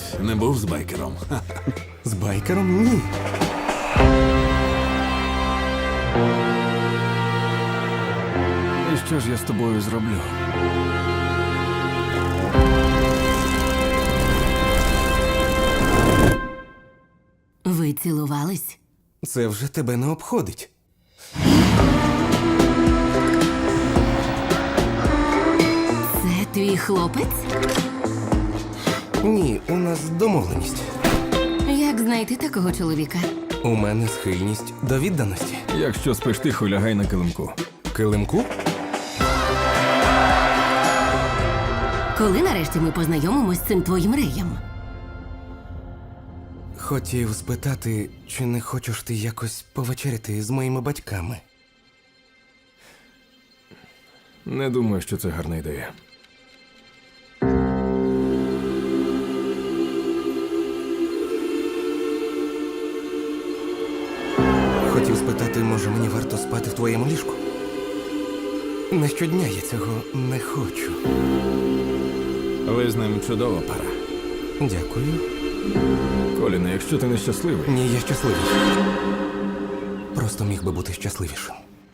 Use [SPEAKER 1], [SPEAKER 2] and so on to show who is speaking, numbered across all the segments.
[SPEAKER 1] не був з байкером.
[SPEAKER 2] З байкером? Ні.
[SPEAKER 1] І що ж я з тобою зроблю?
[SPEAKER 3] Ви цілувались?
[SPEAKER 2] Це вже тебе не обходить.
[SPEAKER 3] Це твій хлопець?
[SPEAKER 2] Ні, у нас домовленість.
[SPEAKER 3] Як знайти такого чоловіка?
[SPEAKER 2] У мене схильність до відданості.
[SPEAKER 1] Якщо спиш тихо, лягай на килимку.
[SPEAKER 2] Килимку?
[SPEAKER 3] Коли нарешті ми познайомимось з цим твоїм реєм?
[SPEAKER 2] Хотів спитати, чи не хочеш ти якось повечеряти з моїми батьками?
[SPEAKER 1] Не думаю, що це гарна ідея.
[SPEAKER 2] Хотів спитати, може мені варто спати в твоєму ліжку? Не щодня я цього не хочу.
[SPEAKER 1] Ви з ним чудова пара.
[SPEAKER 2] Дякую.
[SPEAKER 1] Коліне, якщо ти не щасливий,
[SPEAKER 2] Ні, я щасливий. Просто міг би бути щасливішим.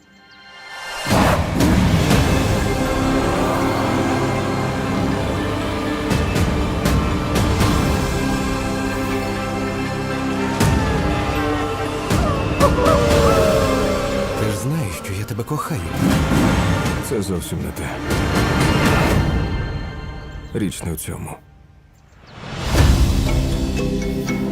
[SPEAKER 2] Ти ж знаєш, що я тебе кохаю.
[SPEAKER 1] це зовсім не те. Річ не в цьому.